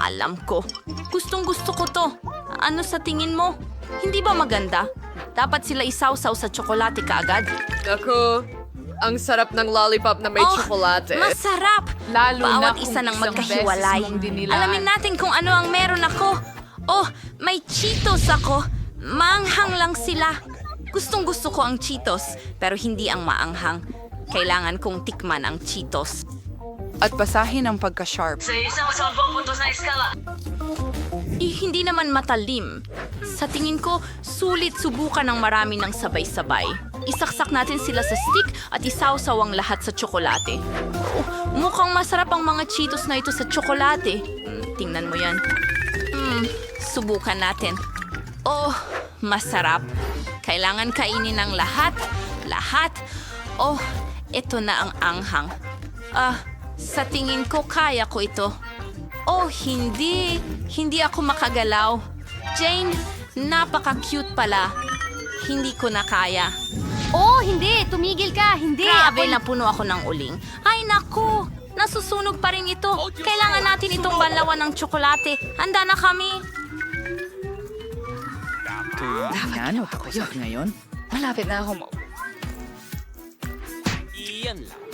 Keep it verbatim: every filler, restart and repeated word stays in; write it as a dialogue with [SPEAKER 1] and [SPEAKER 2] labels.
[SPEAKER 1] Alam ko. Gustong gusto ko to. Ano sa tingin mo? Hindi ba maganda? Dapat sila isawsaw sa tsokolate kaagad.
[SPEAKER 2] Naku, ang sarap ng lollipop na may
[SPEAKER 1] Oh,
[SPEAKER 2] tsokolate.
[SPEAKER 1] Masarap!
[SPEAKER 3] Lalo na
[SPEAKER 1] Bawat
[SPEAKER 3] kung
[SPEAKER 1] isa ng
[SPEAKER 3] isang
[SPEAKER 1] magkahiwalay.
[SPEAKER 3] beses mong dinilaan.
[SPEAKER 1] Alamin natin kung ano ang meron ako. Oh, may Cheetos ako. Maanghang lang sila. Gustong gusto ko ang Cheetos, pero hindi ang maanghang. Kailangan kong tikman ang Cheetos.
[SPEAKER 3] At basahin ang pagka-sharp.
[SPEAKER 1] Eh, hindi naman matalim. Sa tingin ko, sulit subukan ng marami ng sabay-sabay. Isaksak natin sila sa stick at isawsaw ang lahat sa tsokolate. Oh, mukhang masarap ang mga Cheetos na ito sa tsokolate. Hmm, tingnan mo yan. Hmm, subukan natin. Oh, masarap. Kailangan kainin ng lahat. Lahat. Oh, ito na ang anghang. Ah, sa tingin ko kaya ko ito. Oh, hindi. Hindi ako makagalaw. Jane, napaka-cute pala. Hindi ko na kaya.
[SPEAKER 4] Oh, hindi! Tumigil ka! Hindi!
[SPEAKER 1] Grabe,
[SPEAKER 4] Ako-
[SPEAKER 1] napuno ako ng uling. Ay, naku! Nasusunog pa rin ito. Kailangan natin itong banlawan ng tsokolate. Handa na kami.
[SPEAKER 3] Yan o tapos at ngayon. Malapit na ako mo.
[SPEAKER 5] Iyan lang.